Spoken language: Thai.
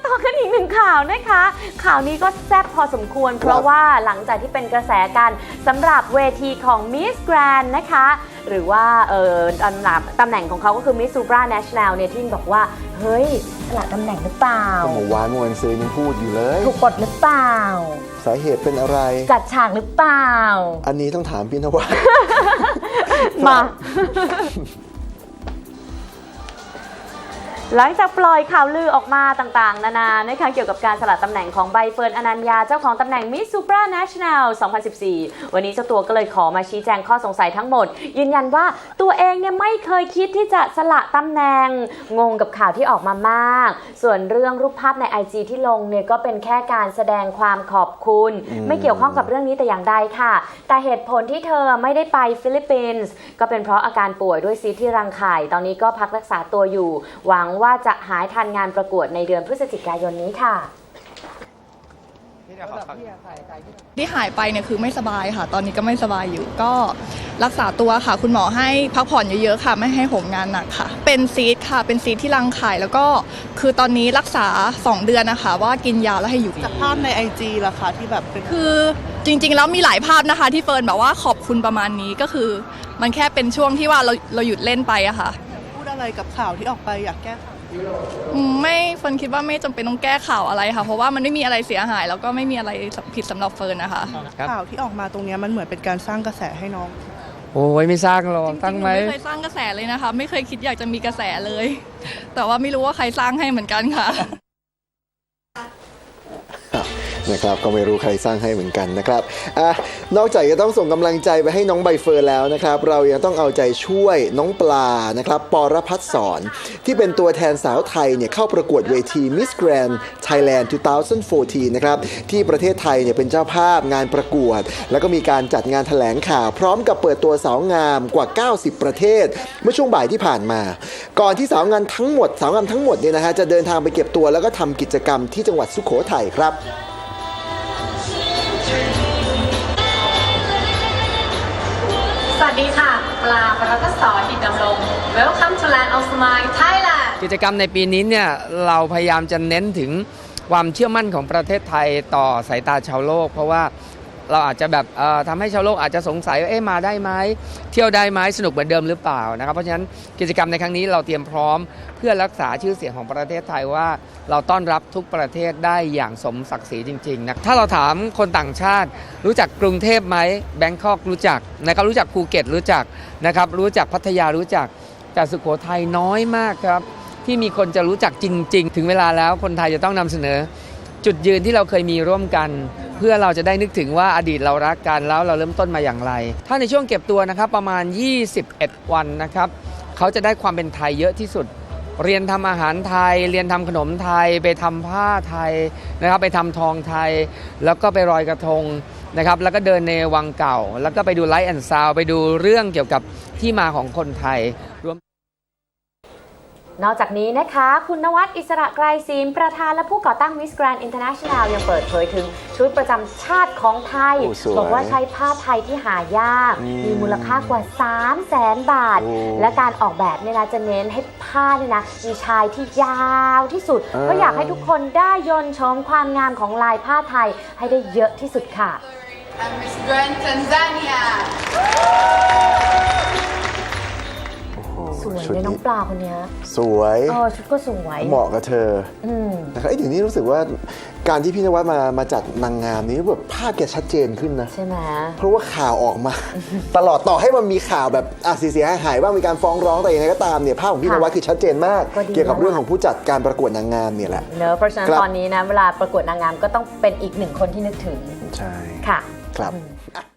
ต่อกันอีกหนึ่งข่าวนะคะข่าวนี้ก็แซ่บพอสมควรเพราะว่าหลังจากที่เป็นกระแสกันสำหรับเวทีของ Miss Grand นะคะหรือว่าตำแหน่งของเขาก็คือ Miss Supra National เนี่ยที่บอกว่าเฮ้ยสละตำแหน่งหรือเปล่าเมื่อวานซื้อยังพูดอยู่เลยถูกกดหรือเปล่าสาเหตุเป็นอะไรจัดฉากหรือเปล่าอันนี้ต้องถามพี่นวัดมาหลังจากปล่อยข่าวลือออกมาต่างๆนานานะคะเกี่ยวกับการสละตำแหน่งของใบเฟิร์นอนัญญาเจ้าของตำแหน่ง Miss Supra National 2014 วันนี้เจ้าตัวก็เลยขอมาชี้แจงข้อสงสัยทั้งหมดยืนยันว่าตัวเองเนี่ยไม่เคยคิดที่จะสละตำแหน่งงงกับข่าวที่ออกมามากส่วนเรื่องรูปภาพใน IG ที่ลงเนี่ยก็เป็นแค่การแสดงความขอบคุณไม่เกี่ยวข้องกับเรื่องนี้แต่อย่างใดค่ะแต่เหตุผลที่เธอไม่ได้ไปฟิลิปปินส์ก็เป็นเพราะอาการป่วยด้วยซีสต์ที่รังไข่ตอนนี้ก็พักรักษาตัวอยู่หวังว่าจะหายทันงานประกวดในเดือนพฤศจิกายนนี้ค่ะที่หายไปเนี่ยคือไม่สบายค่ะตอนนี้ก็ไม่สบายอยู่ก็รักษาตัวค่ะคุณหมอให้พักผ่อนเยอะๆค่ะไม่ให้โหมงานหนักค่ะเป็นซีสต์ค่ะเป็นซีสต์ที่รังไข่แล้วก็คือตอนนี้รักษา2 เดือนนะคะว่ากินยาแล้วให้อยู่จากภาพใน IG ล่ะคะที่แบบเป็นคือจริงๆแล้วมีหลายภาพนะคะที่เฟิร์นแบบว่าขอบคุณประมาณนี้ก็คือมันแค่เป็นช่วงที่ว่าเราหยุดเล่นไปอะค่ะพูดอะไรกับข่าวที่ออกไปอยากแก้ข่าวไม่เฟิร์นคิดว่าไม่จำเป็นต้องแก้ข่าวอะไรค่ะเพราะว่ามันไม่มีอะไรเสียหายแล้วก็ไม่มีอะไรผิดสำหรับเฟิร์นนะคะข่าวที่ออกมาตรงนี้มันเหมือนเป็นการสร้างกระแสให้น้องโอ้ยไม่สร้างหรอกตั้งไหมไม่เคยสร้างกระแสเลยนะคะไม่เคยคิดอยากจะมีกระแสเลยแต่ว่าไม่รู้ว่าใครสร้างให้เหมือนกันค่ะนะครับก็ไม่รู้ใครสร้างให้เหมือนกันนะครับนอกจากจะต้องส่งกำลังใจไปให้น้องใบเฟิร์นแล้วนะครับเรายังต้องเอาใจช่วยน้องปลานะครับปรภัสสรที่เป็นตัวแทนสาวไทยเนี่ยเข้าประกวดเวที Miss Grand Thailand 2014 นะครับที่ประเทศไทยเนี่ยเป็นเจ้าภาพงานประกวดแล้วก็มีการจัดงานแถลงข่าวพร้อมกับเปิดตัวสาวงามกว่า 90 ประเทศเมื่อช่วงบ่ายที่ผ่านมาก่อนที่สาวงามทั้งหมดเนี่ยนะฮะจะเดินทางไปเก็บตัวแล้วก็ทำกิจกรรมที่จังหวัดสุโขทัยครับสวัสดีค่ะปลาปรภัสสร หินดำรง Welcome to Land of Smile Thailand กิจกรรมในปีนี้เนี่ยเราพยายามจะเน้นถึงความเชื่อมั่นของประเทศไทยต่อสายตาชาวโลกเพราะว่าเราอาจจะแบบทำให้ชาวโลกอาจจะสงสัยว่ามาได้ไหมเที่ยวได้ไหมสนุกเหมือนเดิมหรือเปล่านะครับเพราะฉะนั้นกิจกรรมในครั้งนี้เราเตรียมพร้อมเพื่อรักษาชื่อเสียงของประเทศไทยว่าเราต้อนรับทุกประเทศได้อย่างสมศักดิ์ศรีจริงๆนะถ้าเราถามคนต่างชาติรู้จักกรุงเทพไหมแบงคอกรู้จักนะครับรู้จักภูเก็ตรู้จักนะครับรู้จักพัทยารู้จักแต่สุโขทัยน้อยมากครับที่มีคนจะรู้จักจริงๆถึงเวลาแล้วคนไทยจะต้องนำเสนอจุดยืนที่เราเคยมีร่วมกันเพื่อเราจะได้นึกถึงว่าอดีตเรารักกันแล้วเราเริ่มต้นมาอย่างไรถ้าในช่วงเก็บตัวนะครับประมาณ21วันนะครับเขาจะได้ความเป็นไทยเยอะที่สุดเรียนทำอาหารไทยเรียนทำขนมไทยไปทำผ้าไทยนะครับไปทำทองไทยแล้วก็ไปลอยกระทงนะครับแล้วก็เดินในวังเก่าแล้วก็ไปดูไลท์แอนด์ซาวด์ไปดูเรื่องเกี่ยวกับที่มาของคนไทยรวมนอกจากนี้นะคะคุณนวัดอิสระไกรศิลป์ประธานและผู้ก่อตั้ง Miss Grand International ยังเปิดเผยถึงชุดประจำชาติของไทยบอกว่าใช้ผ้าไทยที่หายากมีมูลค่ากว่า 300,000 บาทและการออกแบบเนี่ยนะจะเน้นให้ผ้าเนี่ยนะมีชายที่ยาวที่สุดเพราะอยากให้ทุกคนได้ยนต์ชมความงามของลายผ้าไทยให้ได้เยอะที่สุดค่ะ Miss Grand Tanzania สวยเลยน้องปลาคนนี้สวยชุดก็สวยเหมาะกับเธอนะครับเดี๋ยวนี้รู้สึกว่าการที่พี่นวัดมาจัดนางงามนี้แบบภาพแกชัดเจนขึ้นนะใช่ไหมเพราะว่าข่าวออกมาตลอดต่อให้มันมีข่าวแบบเสียหายบ้างมีการฟ้องร้องแต่ยังไงก็ตามเนี่ยภาพของพี่นวัดคือชัดเจนมากเกี่ยวกับเรื่องของผู้จัดการประกวดนางงามเนี่ยแหละเนอะเพราะฉะนั้นตอนนี้นะเวลาประกวดนางงามก็ต้องเป็นอีกหนึ่งคนที่นึกถึงใช่ค่ะครับ